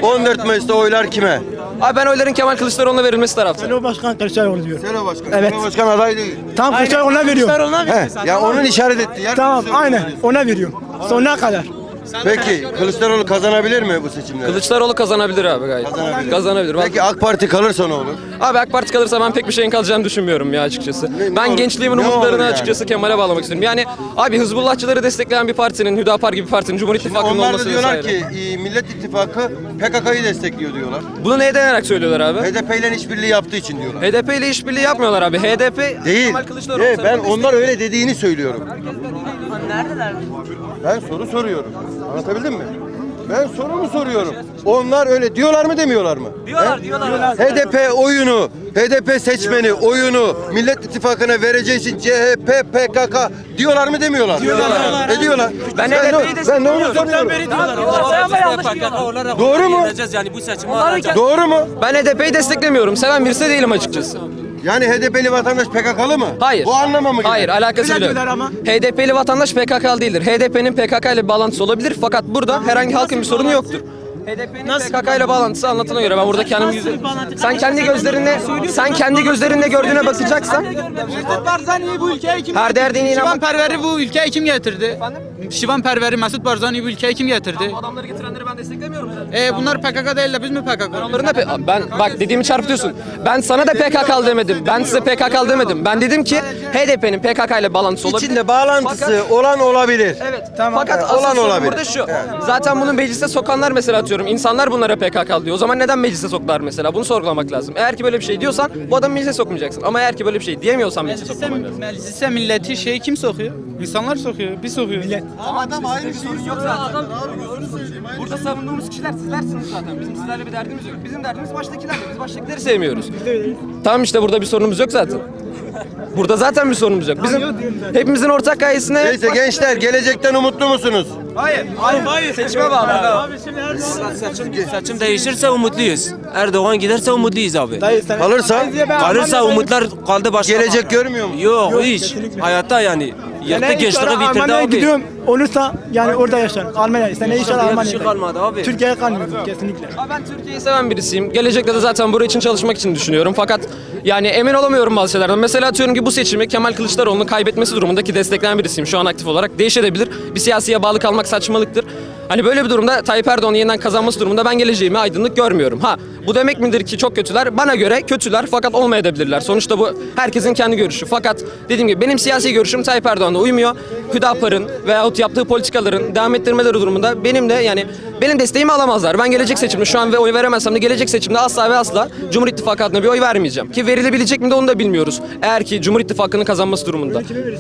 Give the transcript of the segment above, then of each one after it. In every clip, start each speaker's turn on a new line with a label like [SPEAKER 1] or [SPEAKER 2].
[SPEAKER 1] 14 Mayıs'ta oylar kime?
[SPEAKER 2] Abi ben oyların Kemal Kılıçdaroğlu'na verilmesi taraftarıyım.
[SPEAKER 3] O başkan Kılıçdaroğlu diyor.
[SPEAKER 1] Selo Başkan.
[SPEAKER 3] Evet.
[SPEAKER 1] Selo Başkan aday değil.
[SPEAKER 3] Tam Kılıçdaroğlu'na veriyorum.
[SPEAKER 1] Ya onun işaret etti. Yer
[SPEAKER 3] Tamam
[SPEAKER 1] Kılıçdaroğlu
[SPEAKER 3] aynen
[SPEAKER 1] diyorsun.
[SPEAKER 3] ona veriyorum. Sonuna kadar.
[SPEAKER 1] Peki Kılıçdaroğlu kazanabilir mi bu seçimleri?
[SPEAKER 2] Kılıçdaroğlu kazanabilir abi gayet. Kazanabilir.
[SPEAKER 1] Peki AK Parti kalırsa ne olur?
[SPEAKER 2] Abi AK Parti kalırsa ben pek bir şeyin kalacağını düşünmüyorum ya açıkçası.
[SPEAKER 1] Ne
[SPEAKER 2] Ben
[SPEAKER 1] olur?
[SPEAKER 2] gençliğimin
[SPEAKER 1] Ne olur
[SPEAKER 2] umutlarını
[SPEAKER 1] yani?
[SPEAKER 2] açıkçası Kemal'e bağlamak istiyorum. Yani abi Hizbullahçıları destekleyen bir partinin, Hüdapar gibi bir partinin Cumhur İttifakı'nın
[SPEAKER 1] Onlar da
[SPEAKER 2] olması
[SPEAKER 1] diyorlar
[SPEAKER 2] vesaire.
[SPEAKER 1] ki Millet İttifakı PKK'yı destekliyor diyorlar.
[SPEAKER 2] Bunu neye dayanarak söylüyorlar abi?
[SPEAKER 1] HDP ile işbirliği yaptığı için diyorlar.
[SPEAKER 2] HDP ile işbirliği yapmıyorlar abi. HDP
[SPEAKER 1] Değil.
[SPEAKER 2] Kemal Kılıçdaroğlu
[SPEAKER 1] Ben
[SPEAKER 2] tarafından
[SPEAKER 1] onlar öyle dediğini söylüyorum. Ben soru soruyorum. Anlatabildim mi? Ben sorumu soruyorum. Onlar öyle diyorlar mı demiyorlar mı? Diyorlar. HDP oyunu, HDP seçmeni oyunu Millet İttifakı'na vereceği için CHP, PKK diyorlar mı demiyorlar? Diyorlar. Ne diyorlar?
[SPEAKER 2] Ben
[SPEAKER 1] de
[SPEAKER 2] HDP'yi
[SPEAKER 1] ben de onu soruyorum. Doğru mu?
[SPEAKER 4] Yani bu seçimi
[SPEAKER 1] Doğru mu?
[SPEAKER 2] Ben HDP'yi desteklemiyorum. Seven birisi değilim açıkçası.
[SPEAKER 1] Yani HDP'li vatandaş PKK'lı mı?
[SPEAKER 2] Hayır.
[SPEAKER 1] Bu anlama mı geliyor?
[SPEAKER 2] Hayır, alakası bile yok. HDP'li vatandaş PKK'lı değildir. HDP'nin PKK ile bağlantısı olabilir fakat burada herhangi halkın bir sorunu yoktur. HDP'nin PKK ile bağlantısı anlatına göre ben burada kendim yüzüm. Sen kendi gözlerinle gördüğüne bakacaksan
[SPEAKER 5] Mesut Barzani'yi bu ülkeye kim
[SPEAKER 2] her derdine
[SPEAKER 5] Şivan
[SPEAKER 2] inanmak.
[SPEAKER 5] Perver'i bu ülkeye kim getirdi? Şivan Perver'i, Mesut Barzani'yi bu ülkeye kim getirdi?
[SPEAKER 2] Adamları getirenleri ben desteklemiyorum zaten.
[SPEAKER 5] Bunlar PKK değil de biz mi PKK?
[SPEAKER 2] Onların da ben bak dediğimi çarpıtıyorsun. Ben sana da PKK'lı demedim. Ben size PKK'lı demedim. Ben dedim ki HDP'nin PKK ile bağlantısı olabilir.
[SPEAKER 1] İçinde bağlantısı olan olabilir.
[SPEAKER 2] Evet. Fakat
[SPEAKER 1] Evet,
[SPEAKER 2] asıl
[SPEAKER 1] olan
[SPEAKER 2] sorun
[SPEAKER 1] olabilir.
[SPEAKER 2] burada şu. Zaten bunu meclise sokanlar mesela atıyorum. İnsanlar bunlara PKK diyor. O zaman neden meclise soktular mesela? Bunu sorgulamak lazım. Eğer ki böyle bir şey diyorsan bu adamı meclise sokmayacaksın. Ama eğer ki böyle bir şey diyemiyorsan meclise sokmaman lazım.
[SPEAKER 5] Meclise milleti kim sokuyor? İnsanlar sokuyor, biz sokuyoruz. Millet.
[SPEAKER 2] Burada savunduğumuz kişiler sizlersiniz zaten. Bizim sizlerle bir derdimiz yok. Bizim derdimiz baştakilerle. Biz baştakileri sevmiyoruz. Tamam işte burada bir sorunumuz yok zaten. Burada zaten bir sorunumuz yok. Bizim hepimizin ortak gayesine...
[SPEAKER 1] Neyse gençler gelecekten umutlu musunuz?
[SPEAKER 2] Hayır. Seçime bağlı.
[SPEAKER 4] seçim değişirse umutluyuz. Erdoğan giderse umutluyuz abi.
[SPEAKER 1] Kalırsa
[SPEAKER 4] Kalırsa umutlar kaldı başka.
[SPEAKER 1] gelecek görmüyor musun?
[SPEAKER 4] Yok hiç. Hayatta yani. Yaktı gençliği bitirdi
[SPEAKER 3] Almanya'ya
[SPEAKER 4] abi.
[SPEAKER 3] gidiyorum. Olursa yani orada yaşarım. Almanya. Sen ne inşallah
[SPEAKER 4] Bir şey
[SPEAKER 3] Almanya'da.
[SPEAKER 4] kalmadı abi.
[SPEAKER 3] Türkiye'ye kalmıyor kesinlikle.
[SPEAKER 2] Abi ben Türkiye'yi seven birisiyim. Gelecekte de zaten buraya için çalışmak için düşünüyorum. Fakat yani emin olamıyorum bazı şeylerden. Mesela atıyorum ki bu seçimi Kemal Kılıçdaroğlu'nun kaybetmesi durumundaki destekleyen birisiyim şu an aktif olarak. Değişebilir. Bir siyasiye bağlı kalmak saçmalıktır. Hani böyle bir durumda Tayyip Erdoğan'ın yeniden kazanması durumunda ben geleceğimi aydınlık görmüyorum. Ha bu demek midir ki çok kötüler? Bana göre kötüler fakat olmayabilirler. Sonuçta bu herkesin kendi görüşü. Fakat dediğim gibi benim siyasi görüşüm Tayyip Erdoğan'la uymuyor. Hüdapar'ın veyahut yaptığı politikaların devam ettirmeleri durumunda benim de yani benim desteğimi alamazlar. Ben gelecek seçimde şu an ve oy veremezsem de gelecek seçimde asla ve asla Cumhur İttifakı adına bir oy vermeyeceğim. Ki verilebilecek mi de onu da bilmiyoruz. Eğer ki Cumhur İttifakı'nın kazanması durumunda.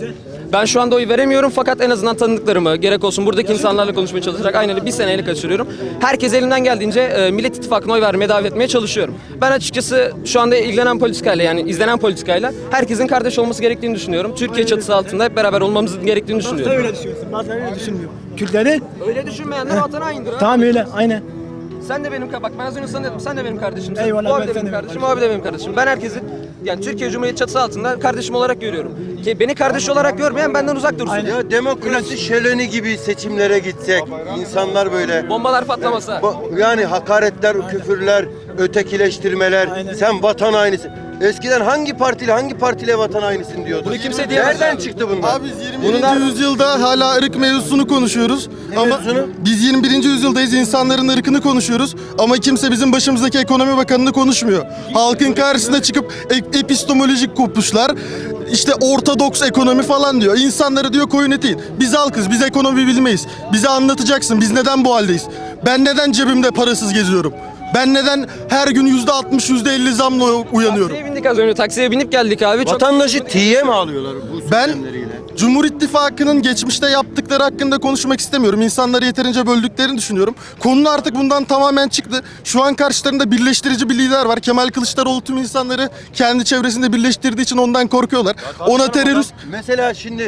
[SPEAKER 2] Ben şu anda oy veremiyorum fakat en azından tanıdıklarımı gerek olsun buradaki insanlarla konuşmaya çalışarak aynen bir seneyle kaçırıyorum. Herkes elimden geldiğince Millet İttifakı'na oy vermeye davet etmeye çalışıyorum. Ben açıkçası şu anda ilgilenen politikayla yani izlenen politikayla herkesin kardeş olması gerektiğini düşünüyorum. Türkiye çatısı altında hep beraber olmamızın gerektiğini düşünüyorum.
[SPEAKER 3] Öyle düşünüyorsun. Bazıları öyle düşünmüyor. Kürtleri
[SPEAKER 2] Öyle düşünmeyenler vatana haindir abi.
[SPEAKER 3] tamam öyle aynen.
[SPEAKER 2] Sen de benim bak ben az önce sana dedim sen de benim kardeşimsin.
[SPEAKER 3] Eyvallah,
[SPEAKER 2] O abi
[SPEAKER 3] ben
[SPEAKER 2] de
[SPEAKER 3] sen
[SPEAKER 2] benim
[SPEAKER 3] de
[SPEAKER 2] kardeşim, o abi de benim kardeşim. Ben herkesi yani Türkiye Cumhuriyeti çatısı altında kardeşim olarak görüyorum. Ki beni kardeş olarak görmeyen benden uzak dursun.
[SPEAKER 1] Ya demokrasi şöleni gibi seçimlere gitsek, insanlar böyle
[SPEAKER 2] Bombalar patlamasa.
[SPEAKER 1] yani hakaretler, küfürler, ötekileştirmeler, sen vatan hainisin. Eskiden hangi partiyle vatan hainisin diyordu.
[SPEAKER 2] Bunu kimse diyemez.
[SPEAKER 1] Nereden çıktı bunlar?
[SPEAKER 6] Abi biz 21. yüzyılda hala ırk mevzusunu konuşuyoruz. Ama
[SPEAKER 1] mevzusunu?
[SPEAKER 6] biz 21. yüzyıldayız, insanların ırkını konuşuyoruz. Ama kimse bizim başımızdaki ekonomi bakanını konuşmuyor. Halkın karşısına çıkıp epistemolojik kopuşlar, işte ortodoks ekonomi falan diyor. İnsanları diyor koyun eti. Biz halkız, biz ekonomi bilmeyiz. Bize anlatacaksın, biz neden bu haldeyiz? Ben neden cebimde parasız geziyorum? Ben neden her gün %60, %50 zamla uyanıyorum?
[SPEAKER 2] Taksiye bindik az önce. Taksiye binip geldik abi. Çok...
[SPEAKER 1] Vatandaşı tiye mi alıyorlar bu
[SPEAKER 6] Ben
[SPEAKER 1] sistemleriyle?
[SPEAKER 6] Cumhur İttifakı'nın geçmişte yaptıkları hakkında konuşmak istemiyorum. İnsanları yeterince böldüklerini düşünüyorum. Konu artık bundan tamamen çıktı. Şu an karşılarında birleştirici bir lider var. Kemal Kılıçdaroğlu tüm insanları kendi çevresinde birleştirdiği için ondan korkuyorlar. Ona terörist...
[SPEAKER 1] Mesela şimdi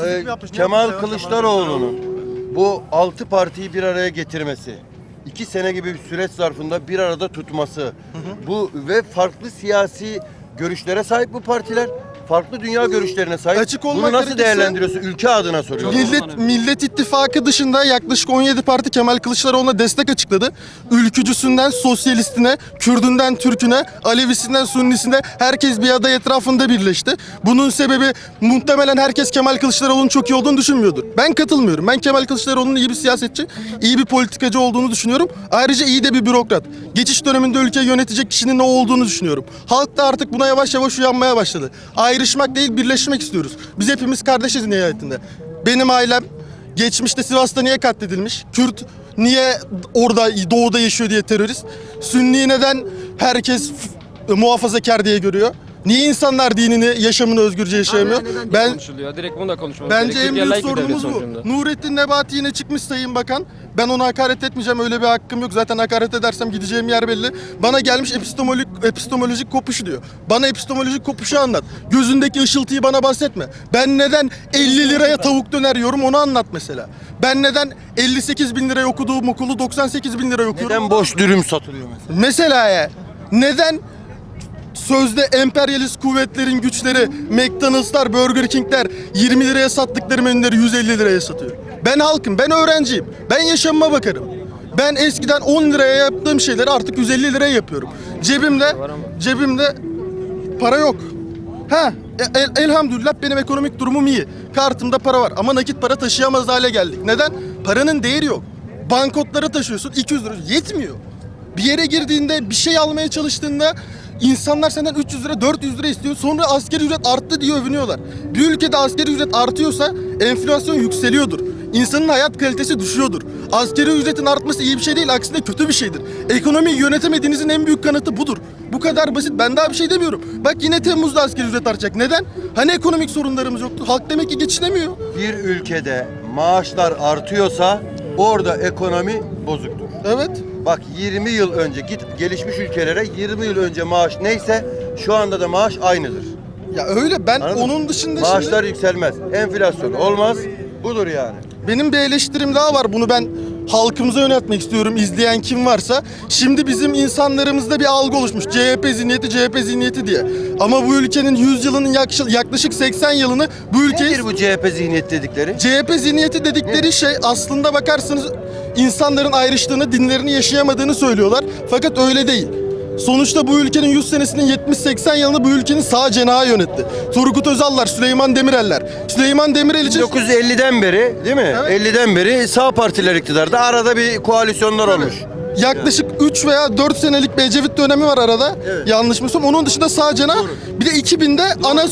[SPEAKER 1] Kemal Kılıçdaroğlu'nun bu 6 partiyi bir araya getirmesi, 2 sene gibi bir süreç zarfında bir arada tutması, bu ve farklı siyasi görüşlere sahip bu partiler, farklı dünya görüşlerine sahip.
[SPEAKER 6] Açık olmak
[SPEAKER 1] Bunu nasıl
[SPEAKER 6] gerekirse-
[SPEAKER 1] değerlendiriyorsun? Ülke adına soruyorum.
[SPEAKER 6] Millet İttifakı dışında yaklaşık 17 parti Kemal Kılıçdaroğlu'na destek açıkladı. Ülkücüsünden sosyalistine, Kürdünden Türküne, Alevisinden Sunnisine herkes bir aday etrafında birleşti. Bunun sebebi muhtemelen herkes Kemal Kılıçdaroğlu'nun çok iyi olduğunu düşünmüyordur. Ben katılmıyorum. Ben Kemal Kılıçdaroğlu'nun iyi bir siyasetçi, iyi bir politikacı olduğunu düşünüyorum. Ayrıca iyi de bir bürokrat. Geçiş döneminde ülkeyi yönetecek kişinin ne olduğunu düşünüyorum. Halk da artık buna yavaş yavaş uyanmaya başladı. Ayrışmak değil, birleşmek istiyoruz. Biz hepimiz kardeşiz nihayetinde. Benim ailem geçmişte Sivas'ta niye katledilmiş? Kürt niye orada doğuda yaşıyor diye terörist? Sünni neden herkes muhafazakar diye görüyor? Niye insanlar dinini, yaşamını özgürce yaşayamıyor?
[SPEAKER 2] Ben konuşuluyor. Direkt bunu da konuşmamız
[SPEAKER 6] Bence
[SPEAKER 2] gerekiyor.
[SPEAKER 6] en
[SPEAKER 2] Türkiye
[SPEAKER 6] büyük
[SPEAKER 2] layık bir devlet
[SPEAKER 6] sorunumuz
[SPEAKER 2] sonucunda.
[SPEAKER 6] bu. Nurettin Nebati yine çıkmış Sayın Bakan. Ben ona hakaret etmeyeceğim, öyle bir hakkım yok. Zaten hakaret edersem gideceğim yer belli. Bana gelmiş epistemolojik kopuşu diyor. Bana epistemolojik kopuşu anlat. Gözündeki ışıltıyı bana bahsetme. Ben neden 50 liraya tavuk döner yiyorum onu anlat mesela. Ben neden 58 bin liraya okuduğum okulu 98 bin liraya okuyorum?
[SPEAKER 1] Neden boş dürüm satılıyor mesela?
[SPEAKER 6] Mesela ya neden sözde emperyalist kuvvetlerin güçleri McDonald'slar, Burger King'ler 20 liraya sattıkları menüleri 150 liraya satıyor? Ben halkım, ben öğrenciyim. Ben yaşamıma bakarım. Ben eskiden 10 liraya yaptığım şeyleri artık 150 liraya yapıyorum. Cebimde para yok. Elhamdülillah benim ekonomik durumum iyi. Kartımda para var ama nakit para taşıyamaz hale geldik. Neden? Paranın değeri yok. Banknotları taşıyorsun 200 lira yetmiyor. Bir yere girdiğinde bir şey almaya çalıştığında insanlar senden 300 lira 400 lira istiyor. Sonra asgari ücret arttı diye övünüyorlar. Bir ülkede asgari ücret artıyorsa enflasyon yükseliyordur. İnsanın hayat kalitesi düşüyordur. Asgari ücretin artması iyi bir şey değil, aksine kötü bir şeydir. Ekonomiyi yönetemediğinizin en büyük kanıtı budur. Bu kadar basit. Ben daha bir şey demiyorum. Bak yine Temmuz'da asgari ücret artacak. Neden? Hani ekonomik sorunlarımız yoktu? Halk demek ki geçinemiyor.
[SPEAKER 1] Bir ülkede maaşlar artıyorsa orada ekonomi bozuktur.
[SPEAKER 6] Evet.
[SPEAKER 1] Bak 20 yıl önce git gelişmiş ülkelere 20 yıl önce maaş neyse şu anda da maaş aynıdır.
[SPEAKER 6] Ya öyle ben
[SPEAKER 1] Anladın mı?
[SPEAKER 6] onun dışında
[SPEAKER 1] Maaşlar yükselmez. Enflasyon olmaz. Budur yani.
[SPEAKER 6] benim bir eleştirim daha var. Bunu ben halkımıza yöneltmek istiyorum. İzleyen kim varsa. Şimdi bizim insanlarımızda bir algı oluşmuş. CHP zihniyeti diye. Ama bu ülkenin 100 yılının yaklaşık 80 yılını bu ülkeyi...
[SPEAKER 1] Nedir bu CHP zihniyet dedikleri?
[SPEAKER 6] CHP zihniyeti dedikleri şey aslında bakarsanız insanların ayrıştığını, dinlerini yaşayamadığını söylüyorlar. Fakat öyle değil. Sonuçta bu ülkenin 100 senesinin 70-80 yılını bu ülkenin sağ cenahı yönetti. Turgut Özal'lar, Süleyman Demirel'ler. Süleyman Demirel için...
[SPEAKER 1] 1950'den beri değil mi?
[SPEAKER 6] Evet.
[SPEAKER 1] 50'den beri sağ partiler iktidarda. Arada bir koalisyonlar olmuş.
[SPEAKER 6] Yaklaşık 3 veya 4 senelik bir Ecevit dönemi var arada.
[SPEAKER 1] Evet.
[SPEAKER 6] Yanlış mı söylüyorum? Onun dışında sağ cenah. Bir de 2000'de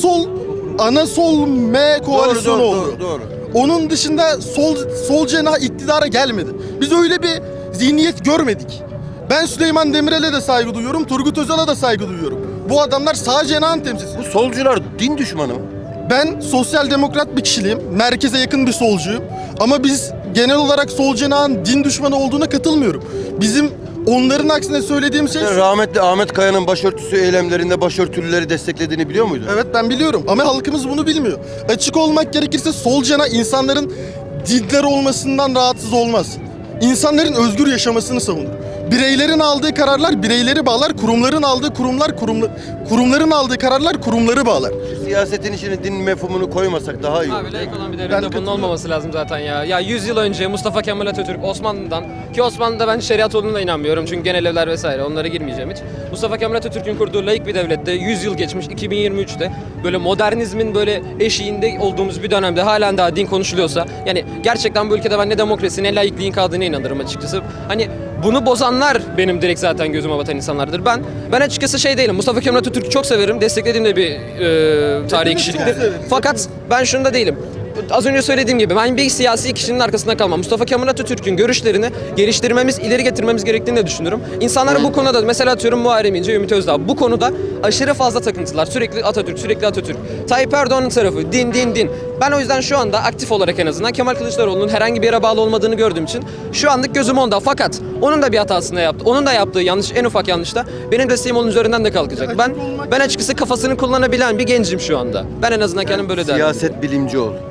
[SPEAKER 6] ana sol M koalisyonu oldu.
[SPEAKER 1] Doğru.
[SPEAKER 6] Onun dışında sol cenah iktidara gelmedi. Biz öyle bir zihniyet görmedik. Ben Süleyman Demirel'e de saygı duyuyorum, Turgut Özal'a da saygı duyuyorum. Bu adamlar sağ cenahın temsilcisi.
[SPEAKER 1] Bu solcular din düşmanı mı?
[SPEAKER 6] Ben sosyal demokrat bir kişiliğim, merkeze yakın bir solcuyum. Ama biz genel olarak sol cenahın din düşmanı olduğuna katılmıyorum. Bizim onların aksine söylediğim şey...
[SPEAKER 1] Sen rahmetli Ahmet Kaya'nın başörtüsü eylemlerinde başörtülüleri desteklediğini biliyor muydun?
[SPEAKER 6] Evet ben biliyorum ama halkımız bunu bilmiyor. Açık olmak gerekirse sol cenah insanların dindar olmasından rahatsız olmaz. İnsanların özgür yaşamasını savunur. Bireylerin aldığı kararlar bireyleri bağlar, kurumların aldığı kurumların aldığı kararlar kurumları bağlar.
[SPEAKER 1] Siyasetin içine din mefhumunu koymasak daha iyi.
[SPEAKER 2] Abi layık olan bir
[SPEAKER 6] Ben
[SPEAKER 2] devlette bunun
[SPEAKER 6] katılıyorum.
[SPEAKER 2] olmaması lazım zaten ya. Ya 100 yıl önce Mustafa Kemal Atatürk Osmanlı'dan ki Osmanlı'da ben şeriat olduğuna inanmıyorum çünkü genel evler vesaire onlara girmeyeceğim hiç. Mustafa Kemal Atatürk'ün kurduğu layık bir devlette 100 yıl geçmiş 2023'te böyle modernizmin böyle eşiğinde olduğumuz bir dönemde halen daha din konuşuluyorsa yani gerçekten bu ülkede ben ne demokrasi ne laikliğin kaldığına inanırım açıkçası. Hani bunu bozanlar benim direkt zaten gözüme batan insanlardır. Ben açıkçası şey değilim. Mustafa Kemal Atatürk'ü çok severim. Desteklediğim de bir tarihi kişiliktir. Fakat ben şunda değilim. Az önce söylediğim gibi ben bir siyasi kişinin arkasında kalmam. Mustafa Kemal Atatürk'ün görüşlerini geliştirmemiz, ileri getirmemiz gerektiğini de düşünüyorum. İnsanların bu konuda mesela atıyorum Muharrem İnce, Ümit Özdağ bu konuda aşırı fazla takıntılar. Sürekli Atatürk. Tayyip Erdoğan'ın tarafı din. Ben o yüzden şu anda aktif olarak en azından Kemal Kılıçdaroğlu'nun herhangi bir yere bağlı olmadığını gördüğüm için şu anlık gözüm onda. Fakat onun da bir hatasını yaptı. Onun da yaptığı yanlış, en ufak yanlışta benim desteğim onun üzerinden de kalkacak. Ben açıkçası kafasını kullanabilen bir gencim şu anda. Ben en azından kendim böyle derdim.
[SPEAKER 1] Siyaset bilimci ol.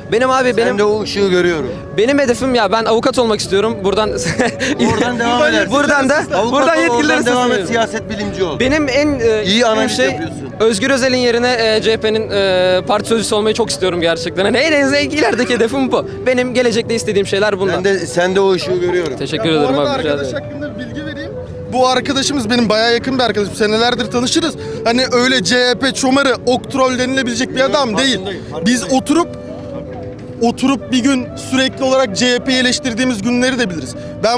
[SPEAKER 2] Benim abi
[SPEAKER 1] Ben de o ışığı görüyorum.
[SPEAKER 2] benim hedefim ya ben avukat olmak istiyorum. Buradan
[SPEAKER 1] Oradan devam edersin.
[SPEAKER 2] buradan
[SPEAKER 1] Avukat ol,
[SPEAKER 2] yetkililere
[SPEAKER 1] oradan devam et,
[SPEAKER 2] sesleniyorum.
[SPEAKER 1] siyaset bilimci ol.
[SPEAKER 2] Benim en
[SPEAKER 1] İyi
[SPEAKER 2] istediğim
[SPEAKER 1] analiz
[SPEAKER 2] şey
[SPEAKER 1] yapıyorsun.
[SPEAKER 2] Özgür Özel'in yerine CHP'nin parti sözcüsü olmayı çok istiyorum gerçekten. Hani en ilerideki hedefim bu. Benim gelecekte istediğim şeyler bunlar.
[SPEAKER 1] Sen de o ışığı görüyorum.
[SPEAKER 2] Teşekkür
[SPEAKER 6] Ya bu
[SPEAKER 2] ederim
[SPEAKER 6] arada
[SPEAKER 2] abi. rica
[SPEAKER 6] arkadaş
[SPEAKER 2] ederim.
[SPEAKER 6] hakkında bir bilgi vereyim. Bu arkadaşımız benim bayağı yakın bir arkadaşım. Senelerdir tanışırız. Hani öyle CHP çomarı, oktrol denilebilecek bir adam değil. Biz oturup bir gün sürekli olarak CHP'yi eleştirdiğimiz günleri de biliriz.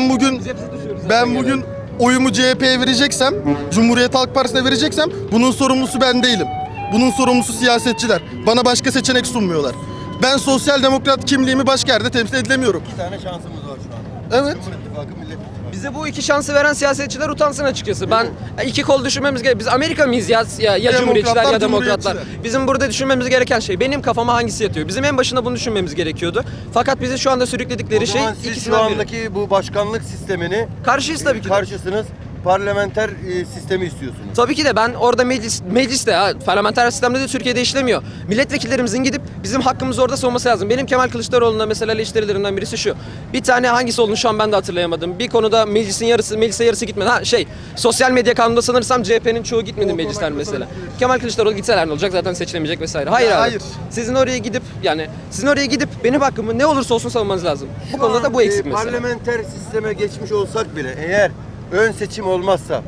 [SPEAKER 6] Ben bugün oyumu CHP'ye vereceksem, Cumhuriyet Halk Partisi'ne vereceksem bunun sorumlusu ben değilim. Bunun sorumlusu siyasetçiler. Bana başka seçenek sunmuyorlar. Ben sosyal demokrat kimliğimi başka yerde temsil edilemiyorum.
[SPEAKER 1] 2 tane şansımız var şu an.
[SPEAKER 6] Evet.
[SPEAKER 1] Cumhur İttifakı, Millet İttifakı.
[SPEAKER 2] Bize bu iki şansı veren siyasetçiler utansın açıkçası. Ben iki kol düşünmemiz gerek. Biz Amerika mıyız ya Cumhuriyetçiler ya Demokratlar. Bizim burada düşünmemiz gereken şey benim kafama hangisi yatıyor. Bizim en başında bunu düşünmemiz gerekiyordu. Fakat bizi şu anda sürükledikleri
[SPEAKER 1] O
[SPEAKER 2] şey
[SPEAKER 1] zaman siz şu
[SPEAKER 2] ikisinden biri.
[SPEAKER 1] andaki bu başkanlık sistemini
[SPEAKER 2] Karşıyız tabii ki de.
[SPEAKER 1] karşısınız. Parlamenter sistemi istiyorsunuz.
[SPEAKER 2] Tabii ki de ben orada mecliste, parlamenter sistemde de Türkiye'de işlemiyor. Milletvekillerimizin gidip bizim hakkımızı orada savunması lazım. Benim Kemal Kılıçdaroğlu'na mesela eleştirilerinden birisi şu. Bir tane hangisi olduğunu şu an ben de hatırlayamadım. Bir konuda meclise yarısı gitmedi. Sosyal medya kanununda sanırsam CHP'nin çoğu gitmedi meclisler mesela. Kemal Kılıçdaroğlu gitseler ne olacak? Zaten seçilemeyecek vesaire. Hayır abi.
[SPEAKER 6] hayır.
[SPEAKER 2] Sizin oraya gidip benim hakkımı ne olursa olsun savunmanız lazım. Bu konuda da bu eksik mesela.
[SPEAKER 1] Parlamenter sisteme geçmiş olsak bile eğer ön seçim olmazsa,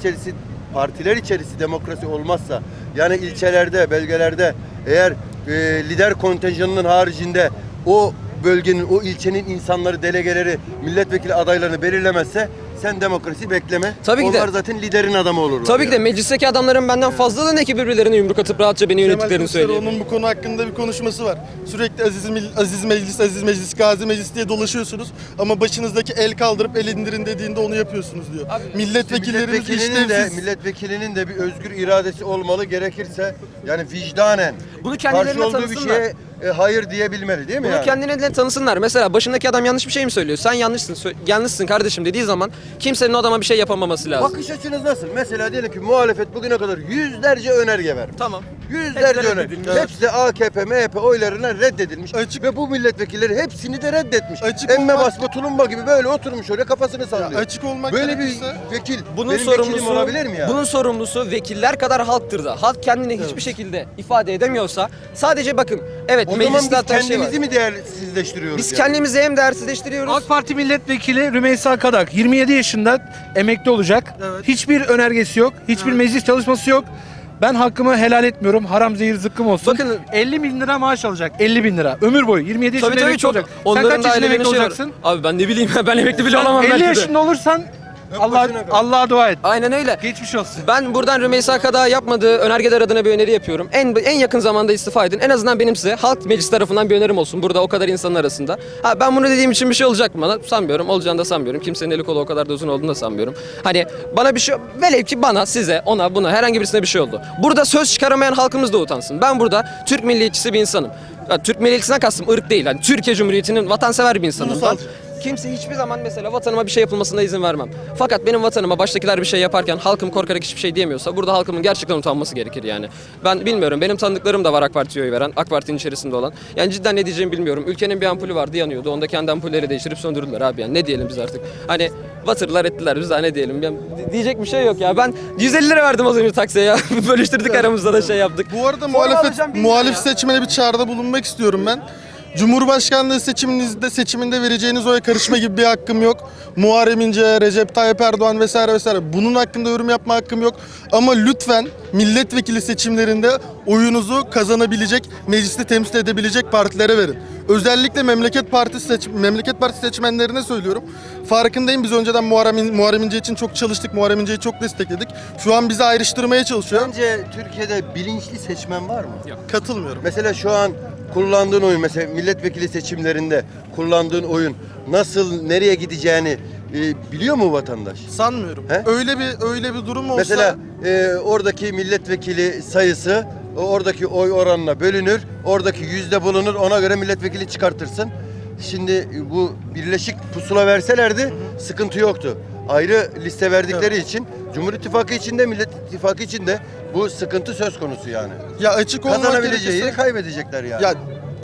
[SPEAKER 1] partiler içerisi demokrasi olmazsa, yani ilçelerde, bölgelerde eğer lider kontenjanının haricinde o bölgenin, o ilçenin insanları, delegeleri, milletvekili adaylarını belirlemezse sen demokrasi bekleme.
[SPEAKER 2] Tabii ki de.
[SPEAKER 1] Onlar zaten liderin adamı olurlar.
[SPEAKER 2] Tabii ki de
[SPEAKER 1] yani.
[SPEAKER 2] meclisteki adamların benden fazlalığın ki birbirlerine yumruk atıp rahatça beni yönettiklerini söyleyeyim.
[SPEAKER 6] Onun bu konu hakkında bir konuşması var. Sürekli Aziz Meclis, Gazi Meclis diye dolaşıyorsunuz. Ama başınızdaki el kaldırıp el indirin dediğinde onu yapıyorsunuz diyor. Milletvekillerimiz
[SPEAKER 1] Milletvekilinin de bir özgür iradesi olmalı, gerekirse yani vicdanen
[SPEAKER 2] Bunu kendilerine
[SPEAKER 1] karşı olduğu bir
[SPEAKER 2] tanısınlar.
[SPEAKER 1] şeye hayır diyebilmeli değil mi
[SPEAKER 2] Bunu
[SPEAKER 1] yani?
[SPEAKER 2] kendine tanısınlar. Mesela başındaki adam yanlış bir şey mi söylüyor? Sen yanlışsın kardeşim dediği zaman kimsenin o adama bir şey yapamaması lazım.
[SPEAKER 1] Bakış açınız nasıl? Mesela diyelim ki muhalefet bugüne kadar yüzlerce önerge vermiş.
[SPEAKER 2] Tamam.
[SPEAKER 1] Yüzlerce
[SPEAKER 2] Hepsi
[SPEAKER 1] önerge.
[SPEAKER 2] reddedilmiş.
[SPEAKER 1] Hepsi de AKP, MHP oylarına reddedilmiş. Ve bu milletvekilleri hepsini de reddetmiş. Emme basma tulumba gibi böyle oturmuş oraya kafasını sallıyor.
[SPEAKER 6] açık olmak
[SPEAKER 1] böyle bir
[SPEAKER 6] gerekirse-
[SPEAKER 1] vekil
[SPEAKER 2] Bunun
[SPEAKER 1] benim vekilim
[SPEAKER 2] sorumlusu
[SPEAKER 1] olabilir mi ya?
[SPEAKER 2] Bunun sorumlusu vekiller kadar halktır da. Halk kendini hiçbir şekilde ifade edemiyorsa sadece bakın evet
[SPEAKER 1] O zaman
[SPEAKER 2] mecliste
[SPEAKER 1] biz
[SPEAKER 2] hatta şey var.
[SPEAKER 1] kendimizi mi değersizleştiriyoruz?
[SPEAKER 2] Biz
[SPEAKER 1] yani?
[SPEAKER 2] kendimizi hem değersizleştiriyoruz.
[SPEAKER 7] AK Parti milletvekili Rümeysa Kadak 27 yaşında emekli olacak. Hiçbir önergesi yok. Hiçbir meclis çalışması yok. Ben hakkımı helal etmiyorum. Haram zehir zıkkım olsun.
[SPEAKER 2] Bakın-
[SPEAKER 7] 50 bin lira maaş alacak. 50 bin lira. Ömür boyu. 27 yaşında
[SPEAKER 2] Tabii
[SPEAKER 7] emekli
[SPEAKER 2] çok.
[SPEAKER 7] olacak. Sen
[SPEAKER 2] Onların
[SPEAKER 7] kaç
[SPEAKER 2] da
[SPEAKER 7] yaşında
[SPEAKER 2] ailelerinin
[SPEAKER 7] emekli
[SPEAKER 2] şey var.
[SPEAKER 7] olacaksın?
[SPEAKER 2] Abi ben ne bileyim ben emekli bile
[SPEAKER 7] Sen
[SPEAKER 2] olamam
[SPEAKER 7] 50
[SPEAKER 2] belki de.
[SPEAKER 7] yaşında olursan
[SPEAKER 1] başına kal.
[SPEAKER 7] Allah'a dua et.
[SPEAKER 2] Aynen öyle.
[SPEAKER 7] Geçmiş olsun.
[SPEAKER 2] Ben buradan Rümeysa Kadak'a yapmadığı önergeler adına bir öneri yapıyorum. En yakın zamanda istifa edin. En azından benim size halk meclis tarafından bir önerim olsun. Burada o kadar insanın arasında. Ben bunu dediğim için bir şey olacak mı bana? Sanmıyorum. Olacağını da sanmıyorum. Kimsenin eli kolu o kadar da uzun olduğunu da sanmıyorum. Hani bana bir şey... Velev ki bana, size, ona, buna herhangi birisine bir şey oldu. Burada söz çıkaramayan halkımız da utansın. Ben burada Türk milliyetçisi bir insanım. Ya, Türk milliyetçisinden kastım ırk değil. Yani Türkiye Cumhuriyeti'nin vatansever bir insanım. Ben kimse hiçbir zaman mesela vatanıma bir şey yapılmasına izin vermem. Fakat benim vatanıma baştakiler bir şey yaparken halkım korkarak hiçbir şey diyemiyorsa burada halkımın gerçekten utanması gerekir yani. Ben bilmiyorum. Benim tanıdıklarım da var AK Parti'ye oy veren, AK Parti'nin içerisinde olan. Yani cidden ne diyeceğimi bilmiyorum. Ülkenin bir ampulü vardı yanıyordu. Onda kendi ampulleri değiştirip söndürdüler abi yani. Ne diyelim biz artık? Hani batırdılar ettiler biz daha ne diyelim? Yani diyecek bir şey yok ya. Ben 150 lira verdim az önce taksiye ya. Bölüştürdük aramızda da şey yaptık.
[SPEAKER 6] Bu arada
[SPEAKER 2] alacağım, bilmiyorum
[SPEAKER 6] muhalif
[SPEAKER 2] ya.
[SPEAKER 6] seçmene bir çağrıda bulunmak istiyorum ben. Cumhurbaşkanlığı seçiminde vereceğiniz oya karışma gibi bir hakkım yok. Muharrem İnce, Recep Tayyip Erdoğan vesaire vesaire. Bunun hakkında yorum yapma hakkım yok. Ama lütfen milletvekili seçimlerinde oyunuzu kazanabilecek, mecliste temsil edebilecek partilere verin. Özellikle Memleket Partisi seçmenlerine söylüyorum. Farkındayım, biz önceden Muharrem İnce için çok çalıştık. Muharrem İnce'yi çok destekledik. Şu an bizi ayrıştırmaya çalışıyor.
[SPEAKER 1] Bence Türkiye'de bilinçli seçmen var mı?
[SPEAKER 6] Katılmıyorum.
[SPEAKER 1] Mesela şu an kullandığın oyun, mesela milletvekili seçimlerinde kullandığın oyun nasıl, nereye gideceğini biliyor mu vatandaş?
[SPEAKER 6] Sanmıyorum.
[SPEAKER 1] He?
[SPEAKER 6] Öyle bir durum olsa
[SPEAKER 1] Mesela oradaki milletvekili sayısı oradaki oy oranına bölünür. Oradaki yüzde bulunur. Ona göre milletvekili çıkartırsın. Şimdi bu birleşik pusula verselerdi sıkıntı yoktu. Ayrı liste verdikleri için Cumhur İttifakı için de Millet İttifakı için de bu sıkıntı söz konusu yani.
[SPEAKER 6] ya açık olmak
[SPEAKER 1] Kazanabileceği
[SPEAKER 6] gerekirse-
[SPEAKER 1] yeri kaybedecekler yani.
[SPEAKER 6] Ya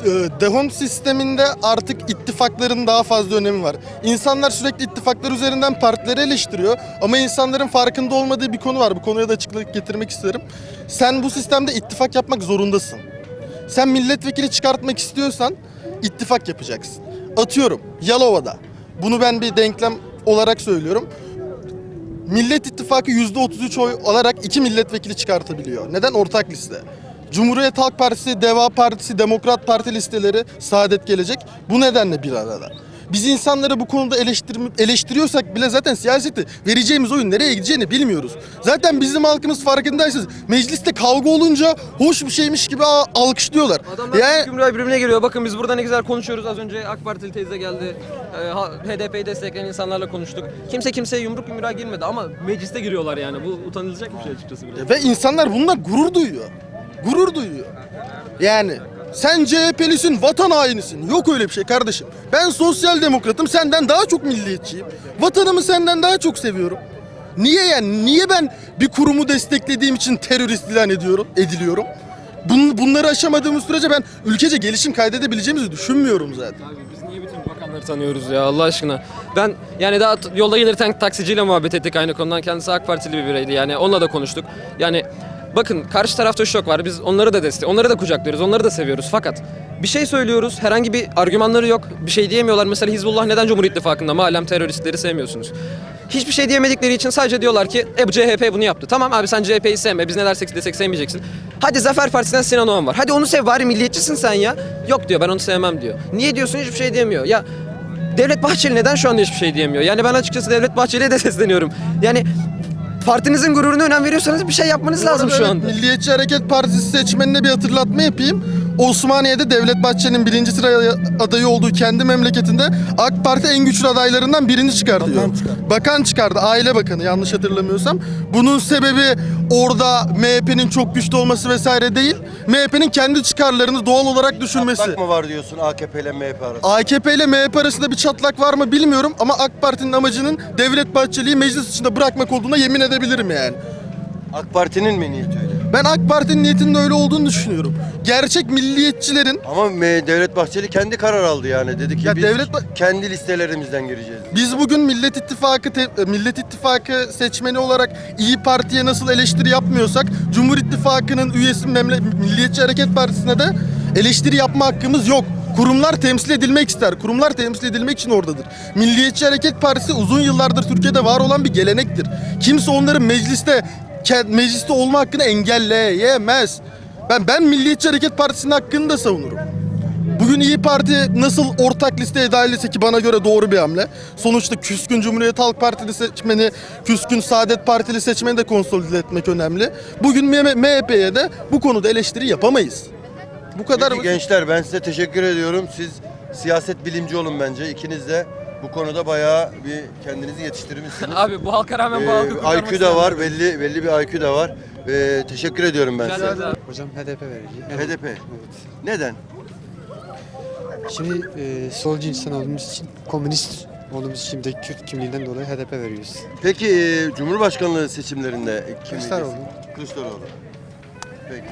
[SPEAKER 6] Dehont sisteminde artık ittifakların daha fazla önemi var. İnsanlar sürekli ittifaklar üzerinden partileri eleştiriyor ama insanların farkında olmadığı bir konu var. Bu konuya da açıklık getirmek isterim. Sen bu sistemde ittifak yapmak zorundasın. Sen milletvekili çıkartmak istiyorsan ittifak yapacaksın. Atıyorum Yalova'da. Bunu ben bir denklem olarak söylüyorum. Millet İttifakı %33 oy alarak 2 milletvekili çıkartabiliyor. Neden? Ortak liste. Cumhuriyet Halk Partisi, Deva Partisi, Demokrat Parti listeleri, Saadet Gelecek bu nedenle bir arada. Biz insanları bu konuda eleştiriyorsak bile zaten siyaseti vereceğimiz oyun nereye gideceğini bilmiyoruz. Zaten bizim halkımız farkındaysanız mecliste kavga olunca hoş bir şeymiş gibi alkışlıyorlar.
[SPEAKER 2] Adamlar
[SPEAKER 6] Yani
[SPEAKER 2] gümrüğe birbirine giriyor. Bakın biz burada ne güzel konuşuyoruz. Az önce AK Partili teyze geldi. HDP'yi destekleyen insanlarla konuştuk. Kimse kimseye yumruk yumruğa girmedi ama mecliste giriyorlar yani. Bu utanılacak bir şey açıkçası. Biraz.
[SPEAKER 6] ve insanlar bununla gurur duyuyor. Gurur duyuyor. Yani sen CHP'lisin, vatan hainisin. Yok öyle bir şey kardeşim. Ben sosyal demokratım, senden daha çok milliyetçiyim. Vatanımı senden daha çok seviyorum. Niye yani? Niye ben bir kurumu desteklediğim için terörist ilan ediliyorum? Bunları aşamadığımız sürece ben ülkece gelişim kaydedebileceğimizi düşünmüyorum zaten.
[SPEAKER 2] Abi biz niye bütün bakanları tanıyoruz ya Allah aşkına? Ben yani daha yolda gelirken taksiciyle muhabbet ettik aynı konudan. Kendisi AK Partili bir bireydi yani onunla da konuştuk. Yani bakın karşı tarafta şu yok var. Biz onları da onları da kucaklıyoruz, onları da seviyoruz. Fakat bir şey söylüyoruz, herhangi bir argümanları yok. Bir şey diyemiyorlar. Mesela Hizbullah neden Cumhur İttifakı'nda malum teröristleri sevmiyorsunuz? Hiçbir şey diyemedikleri için sadece diyorlar ki bu CHP bunu yaptı. Tamam abi sen CHP'yi sevme. Biz ne dersek desek sevmeyeceksin. Hadi Zafer Partisi'nden Sinan Oğan var. Hadi onu sev bari milliyetçisin sen ya. Yok diyor ben onu sevmem diyor. Niye diyorsun hiçbir şey diyemiyor. Ya Devlet Bahçeli neden şu anda hiçbir şey diyemiyor? Yani ben açıkçası Devlet Bahçeli'ye de sesleniyorum. Yani partinizin gururuna önem veriyorsanız bir şey yapmanız lazım şu anda.
[SPEAKER 6] Milliyetçi Hareket Partisi seçmenine bir hatırlatma yapayım. Osmaniye'de Devlet Bahçeli'nin 1. sıra adayı olduğu kendi memleketinde AK Parti en güçlü adaylarından birini çıkartıyor. Bakan çıkardı. Aile Bakanı yanlış hatırlamıyorsam. Bunun sebebi orada MHP'nin çok güçlü olması vesaire değil. MHP'nin kendi çıkarlarını doğal olarak düşünmesi.
[SPEAKER 1] Çatlak mı var diyorsun AKP ile MHP arasında?
[SPEAKER 6] AKP ile MHP arasında bir çatlak var mı bilmiyorum ama AK Parti'nin amacının Devlet Bahçeli'yi meclis içinde bırakmak olduğuna yemin edebilirim yani.
[SPEAKER 1] AK Parti'nin mi niyeti öyle?
[SPEAKER 6] Ben AK Parti'nin niyetinin öyle olduğunu düşünüyorum. Gerçek milliyetçilerin
[SPEAKER 1] Ama Devlet Bahçeli kendi karar aldı yani. Dedi ki
[SPEAKER 6] Ya
[SPEAKER 1] biz
[SPEAKER 6] Devlet
[SPEAKER 1] kendi listelerimizden gireceğiz.
[SPEAKER 6] biz bugün Millet İttifakı seçmeni olarak İyi Parti'ye nasıl eleştiri yapmıyorsak Cumhur İttifakı'nın üyesi Milliyetçi Hareket Partisi'ne de eleştiri yapma hakkımız yok. Kurumlar temsil edilmek ister. Kurumlar temsil edilmek için oradadır. Milliyetçi Hareket Partisi uzun yıllardır Türkiye'de var olan bir gelenektir. Kimse onların mecliste olma hakkını engelleyemez. Ben Milliyetçi Hareket Partisi'nin hakkını da savunurum. Bugün İyi Parti nasıl ortak listeye dahil etse ki bana göre doğru bir hamle. Sonuçta küskün Cumhuriyet Halk Partili seçmeni, küskün Saadet Partili seçmeni de konsolide etmek önemli. Bugün MHP'ye de bu konuda eleştiri yapamayız. Bu kadar.
[SPEAKER 1] Peki gençler ben size teşekkür ediyorum. Siz siyaset bilimci olun bence. İkiniz de bu konuda bayağı bir kendinizi yetiştirmişsiniz.
[SPEAKER 2] Abi bu halka rağmen bu halkı kurtarmak
[SPEAKER 1] IQ da var, belli bir IQ da var. Teşekkür ediyorum ben size.
[SPEAKER 8] Hocam HDP vereceğim.
[SPEAKER 1] HDP. Neden?
[SPEAKER 8] Şimdi solcu insan olduğumuz için, komünist olduğumuz için de Kürt kimliğinden dolayı HDP veriyoruz.
[SPEAKER 1] Peki Cumhurbaşkanlığı seçimlerinde kim?
[SPEAKER 8] Kılıçdaroğlu.
[SPEAKER 1] Kılıçdaroğlu. Peki.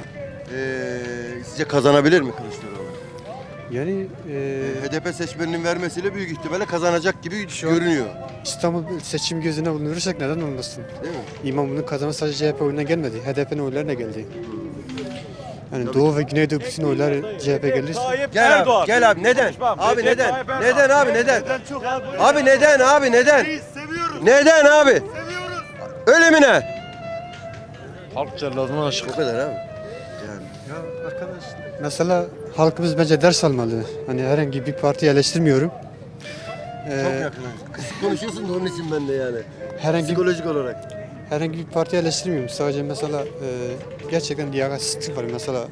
[SPEAKER 1] Sizce kazanabilir mi Kılıçdaroğlu?
[SPEAKER 8] Yani
[SPEAKER 1] HDP seçmeninin vermesiyle büyük ihtimalle kazanacak gibi görünüyor.
[SPEAKER 8] İstanbul seçim gözüne bulundurursak neden olmasın?
[SPEAKER 1] Değil mi?
[SPEAKER 8] İmamoğlu'nun kazanması sadece CHP oyuna gelmedi. HDP'nin oylarına geldi. Yani Doğu ve Güneydoğu bütün oylar CHP gelirse.
[SPEAKER 1] Gel abi, gel abi. Neden? Abi neden? Neden abi neden? Abi neden abi neden? Neden abi? Öyle mi ne?
[SPEAKER 9] Halk celladına aşık.
[SPEAKER 1] O kadar abi. Yani.
[SPEAKER 8] Ya arkadaş, mesela halkımız bence ders almalı. Hani herhangi bir partiyi eleştirmiyorum.
[SPEAKER 1] Çok yakın. Kısık konuşuyorsun da onun için ben de yani.
[SPEAKER 8] Herhangi
[SPEAKER 1] Psikolojik olarak.
[SPEAKER 8] herhangi bir partiyi eleştirmiyorum. Sadece mesela gerçekten liyakatsizlik var. Mesela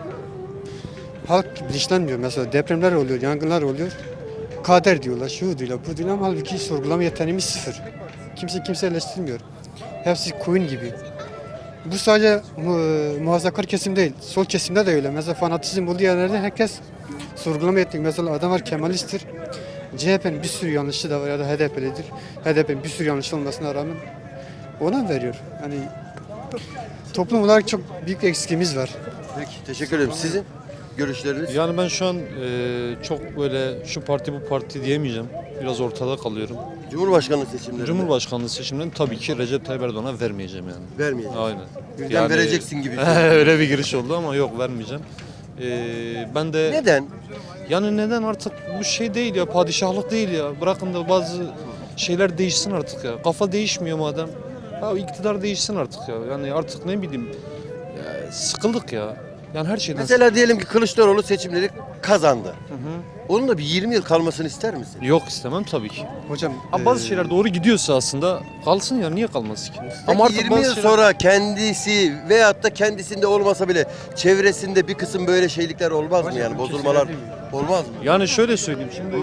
[SPEAKER 8] halk bilinçlenmiyor. Mesela depremler oluyor, yangınlar oluyor. Kader diyorlar, şu diyorlar, bu diyorlar ama halbuki sorgulama yeteneğimiz sıfır. Kimse eleştirmiyor. Hepsi koyun gibi. Bu sadece muhafazakar kesim değil, sol kesimde de öyle. Mesela fanatizm olduğu yerlerde herkes sorgulama yeteneği. Mesela adamlar Kemalisttir. CHP'nin bir sürü yanlışı da var ya da HDP'lidir. HDP'nin bir sürü yanlış olmasına rağmen ona veriyor. Yani toplum olarak çok büyük eksikimiz var.
[SPEAKER 1] Peki teşekkür ederim. Sizin? görüşleriniz?
[SPEAKER 9] Yani ben şu an çok böyle şu parti bu parti diyemeyeceğim. Biraz ortada kalıyorum.
[SPEAKER 1] Cumhurbaşkanlığı seçimlerinde
[SPEAKER 9] Cumhurbaşkanlığı seçimlerini tabii ki Recep Tayyip Erdoğan'a vermeyeceğim yani.
[SPEAKER 1] vermeyecek.
[SPEAKER 9] Aynen.
[SPEAKER 1] Birden vereceksin gibi.
[SPEAKER 9] Öyle bir giriş oldu ama yok vermeyeceğim. Ben de
[SPEAKER 1] Neden?
[SPEAKER 9] yani neden artık bu şey değil ya, padişahlık değil ya. Bırakın da bazı şeyler değişsin artık ya. Kafa değişmiyor madem. Ya iktidar değişsin artık ya. Yani artık ne bileyim ya, sıkıldık ya. Yani her şeyden
[SPEAKER 1] Mesela diyelim ki Kılıçdaroğlu seçimleri kazandı. Onun da bir 20 yıl kalmasını ister misin?
[SPEAKER 9] Yok istemem tabii ki.
[SPEAKER 8] Hocam
[SPEAKER 9] Ama bazı şeyler doğru gidiyorsa aslında kalsın ya, niye kalmaz ki?
[SPEAKER 1] Peki
[SPEAKER 9] Ama artık
[SPEAKER 1] 20
[SPEAKER 9] bazı
[SPEAKER 1] yıl
[SPEAKER 9] şeyler...
[SPEAKER 1] sonra kendisi veyahut da kendisinde olmasa bile çevresinde bir kısım böyle şeylikler olmaz mı yani bozulmalar olmaz mı?
[SPEAKER 9] Yani şöyle söyleyeyim şimdi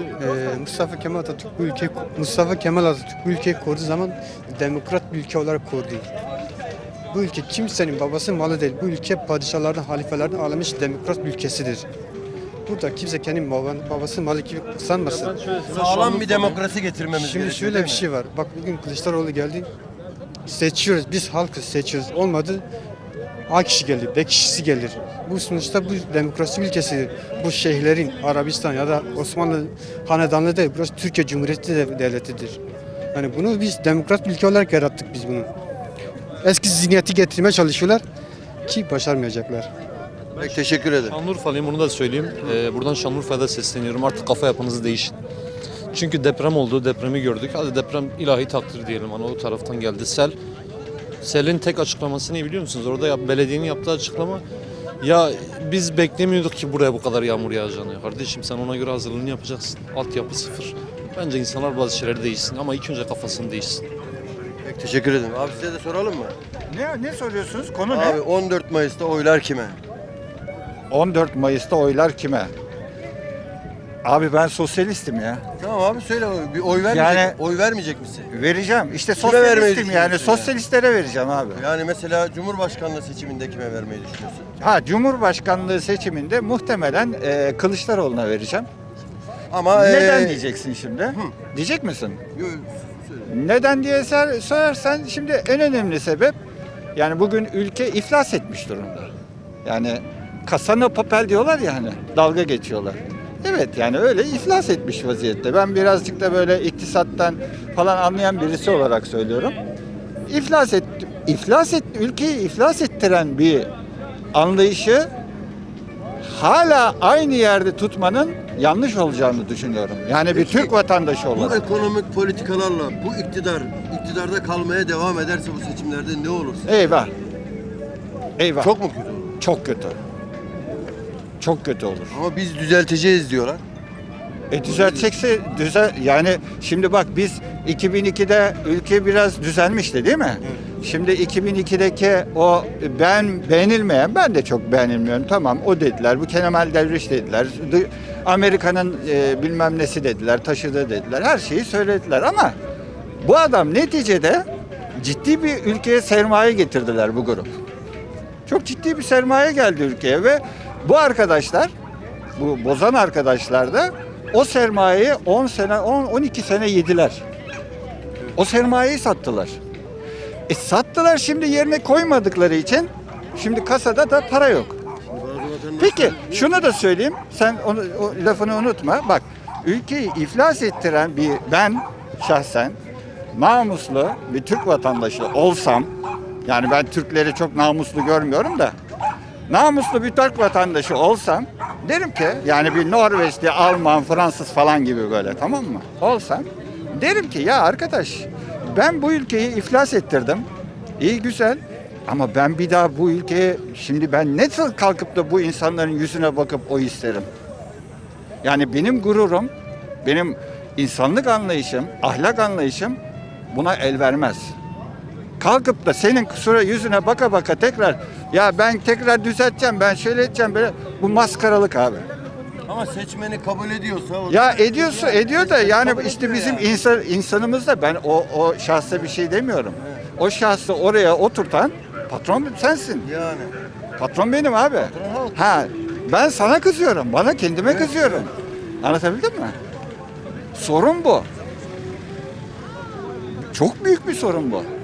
[SPEAKER 8] Mustafa Kemal Atatürk bu ülkeyi kurduğu zaman demokrat bir ülke olarak kurdu. Bu ülke kimsenin babası malı değil. Bu ülke padişahlardan, halifelerden alınmış demokrat bir ülkesidir. Burada kimse kendi babası malı gibi sanmasın.
[SPEAKER 1] Sağlam bir demokrasi getirmemiz
[SPEAKER 8] Şimdi
[SPEAKER 1] gerekiyor,
[SPEAKER 8] şöyle
[SPEAKER 1] değil
[SPEAKER 8] bir
[SPEAKER 1] mi?
[SPEAKER 8] şey var. Bak bugün Kılıçdaroğlu geldi. Seçiyoruz. Biz halkız seçiyoruz. Olmadı. A kişi gelir, B kişisi gelir. Bu sonuçta bu demokrasi ülkesidir. Bu şeyhlerin Arabistan ya da Osmanlı hanedanlığı değil. Burası Türkiye Cumhuriyeti devletidir. Yani bunu biz demokrat bir ülke olarak yarattık biz bunu. Eski zihniyeti getirmeye çalışıyorlar ki başarmayacaklar.
[SPEAKER 1] Peki, teşekkür ederim.
[SPEAKER 9] Şanlıurfalıyım, bunu da söyleyeyim. Buradan Şanlıurfa'da sesleniyorum. Artık kafa yapınızı değişin. Çünkü deprem oldu, depremi gördük. Hadi deprem ilahi takdir diyelim. Hani o taraftan geldi. Sel'in tek açıklaması ne biliyor musunuz? Orada belediyenin yaptığı açıklama, ya biz beklemiyorduk ki buraya bu kadar yağmur yağacağını. Kardeşim sen ona göre hazırlığını yapacaksın. Altyapı sıfır. Bence insanlar bazı şeyleri değişsin ama ilk önce kafasını değişsin.
[SPEAKER 1] Peki, teşekkür ederim. Abi size de soralım mı?
[SPEAKER 10] Ne soruyorsunuz? Konu
[SPEAKER 1] Abi 14 Mayıs'ta oylar kime?
[SPEAKER 10] 14 Mayıs'ta oylar kime? Abi ben sosyalistim ya.
[SPEAKER 1] Tamam abi söyle, bir oy vermeyecek,
[SPEAKER 10] Yani-
[SPEAKER 1] oy vermeyecek misin?
[SPEAKER 10] Vereceğim. İşte
[SPEAKER 1] Kime vermeyi
[SPEAKER 10] sosyalistim yani.
[SPEAKER 1] düşünüyorsun ya?
[SPEAKER 10] Sosyalistlere vereceğim abi.
[SPEAKER 1] Yani mesela Cumhurbaşkanlığı seçiminde kime vermeyi düşünüyorsun?
[SPEAKER 10] Ha Cumhurbaşkanlığı seçiminde muhtemelen Kılıçdaroğlu'na vereceğim.
[SPEAKER 1] Ama
[SPEAKER 10] Neden diyeceksin şimdi? Diyecek misin? Neden diye sorarsan şimdi en önemli sebep yani bugün ülke iflas etmiş durumda. Yani kasana papel diyorlar ya hani dalga geçiyorlar. Evet yani öyle iflas etmiş vaziyette. Ben birazcık da böyle iktisattan falan anlayan birisi olarak söylüyorum. Ülkeyi iflas ettiren bir anlayışı hala aynı yerde tutmanın yanlış olacağını düşünüyorum. Yani bir
[SPEAKER 1] Peki,
[SPEAKER 10] Türk vatandaşı
[SPEAKER 1] bu
[SPEAKER 10] olarak.
[SPEAKER 1] ekonomik politikalarla bu iktidarda kalmaya devam ederse bu seçimlerde ne olur?
[SPEAKER 10] Eyvah. Eyvah.
[SPEAKER 1] Çok mu kötü olur?
[SPEAKER 10] Çok kötü. Çok kötü olur.
[SPEAKER 1] Ama biz düzelteceğiz diyorlar.
[SPEAKER 10] Düzeltecekse yani şimdi bak biz 2002'de ülke biraz düzelmişti değil mi? Şimdi 2002'deki o beğenilmeyen, ben de çok beğenilmiyorum, tamam o dediler, bu Kemal Devriş dediler, Amerika'nın bilmem nesi dediler, taşıdı dediler, her şeyi söylediler ama bu adam neticede ciddi bir ülkeye sermaye getirdiler bu grup. Çok ciddi bir sermaye geldi ülkeye ve bu arkadaşlar, bu bozan arkadaşlar da o sermayeyi 12 sene yediler. O sermayeyi sattılar. Sattılar, şimdi yerine koymadıkları için şimdi kasada da para yok. Peki şunu da söyleyeyim, sen o lafını unutma. Bak, ülkeyi iflas ettiren ben şahsen namuslu bir Türk vatandaşı olsam, yani ben Türkleri çok namuslu görmüyorum da, namuslu bir Türk vatandaşı olsam derim ki, yani bir Norveçli, Alman, Fransız falan gibi böyle, tamam mı? Olsam derim ki ya arkadaş, ben bu ülkeyi iflas ettirdim. İyi güzel ama ben bir daha bu ülkeye, şimdi ben nasıl kalkıp da bu insanların yüzüne bakıp oy isterim? Yani benim gururum, benim insanlık anlayışım, ahlak anlayışım buna el vermez. Kalkıp da senin yüzüne baka baka tekrar ya ben tekrar düzelteceğim, ben şöyle edeceğim, böyle, bu maskaralık abi.
[SPEAKER 1] Ama seçmeni kabul ediyorsa...
[SPEAKER 10] Ya ediyor da yani işte bizim insanımız da, ben o şahsa bir şey demiyorum. O şahsı oraya oturtan patron sensin.
[SPEAKER 1] Yani.
[SPEAKER 10] Patron benim abi. Ha, ben sana kızıyorum, bana kendime kızıyorum. Anlatabildim mi? Sorun bu. Çok büyük bir sorun bu.